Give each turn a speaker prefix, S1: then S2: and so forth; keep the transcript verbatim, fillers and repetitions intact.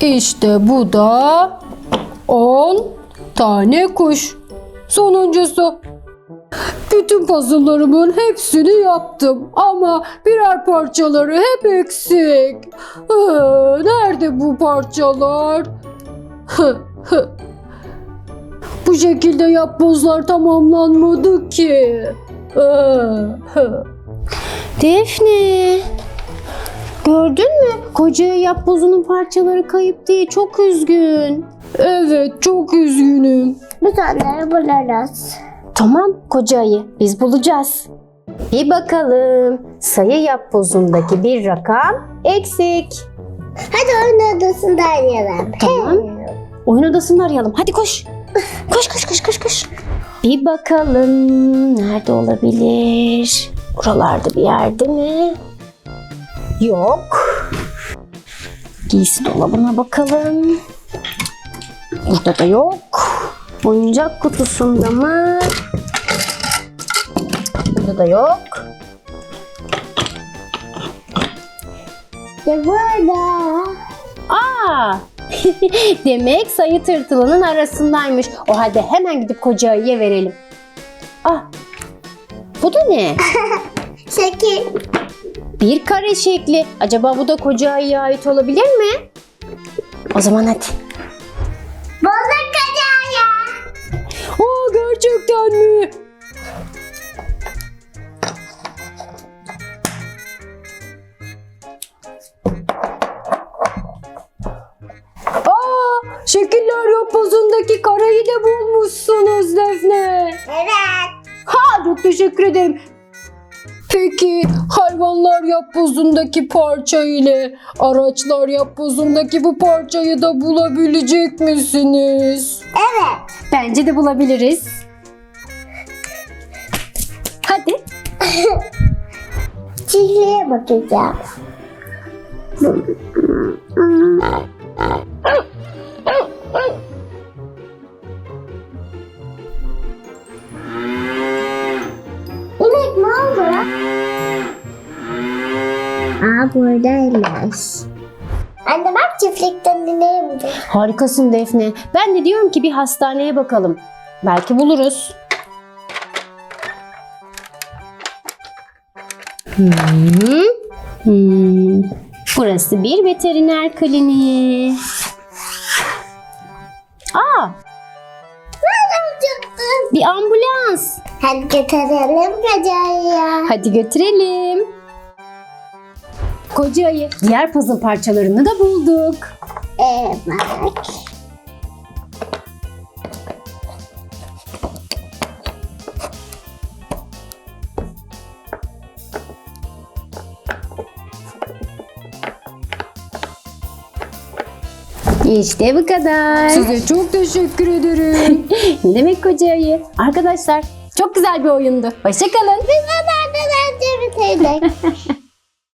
S1: İşte bu da on tane kuş. Sonuncusu. Bütün puzzle'larımın hepsini yaptım ama birer parçaları hep eksik. Ee, nerede bu parçalar? Hı, hı. Bu şekilde yapbozlar tamamlanmadı ki. Ee, hı.
S2: Defne, gördün mü? Koca yapbozunun parçaları kayıp diye çok üzgün.
S1: Evet, çok üzgünüm.
S3: Biz onları buluruz.
S2: Tamam koca ayı, biz bulacağız. Bir bakalım, sayı yapbozundaki bir rakam eksik.
S3: Hadi oyun odasında arayalım.
S2: Tamam. Oyun odasını arayalım. Hadi koş. Koş koş koş koş koş. Bir bakalım nerede olabilir? Buralarda bir yerde mi? Yok. Giysi dolabına bakalım. Burada da yok. Oyuncak kutusunda mı? Burada da yok.
S3: Ya burada.
S2: Aa! Demek sayı tırtılının arasındaymış. O halde hemen gidip koca ayıya verelim. Ah! Bu da ne?
S3: Şekil.
S2: Bir kare şekli. Acaba bu da koca ayıya ait olabilir mi? O zaman hadi.
S3: Bulduk kocaya.
S1: Aa, gerçekten mi? Aa, şekiller yapbozundaki karayı da bulmuşsunuz Defne.
S3: Evet.
S1: Ha, çok teşekkür ederim. Peki hayvanlar yapbozundaki parça ile araçlar yapbozundaki bu parçayı da bulabilecek misiniz?
S3: Evet.
S2: Bence de bulabiliriz. Hadi.
S3: Çiftliğe bakacağım. İnek ne oldu? Aa buradaymış. Anne bak çiftlikten ineği buldum.
S2: Harikasın Defne. Ben de diyorum ki bir hastaneye bakalım. Belki buluruz. Hmm. Hmm. Burası bir veteriner kliniği. Aa, bir ambulans.
S3: Hadi götürelim kocaya.
S2: Hadi götürelim. Koca ayı, diğer puzzle parçalarını da bulduk.
S3: Evet bak.
S2: İşte bu kadar.
S1: Size çok teşekkür ederim.
S2: Ne demek koca ayı? Arkadaşlar çok güzel bir oyundu. Hoşça kalın.
S3: Biz de nereden önce bitirdik.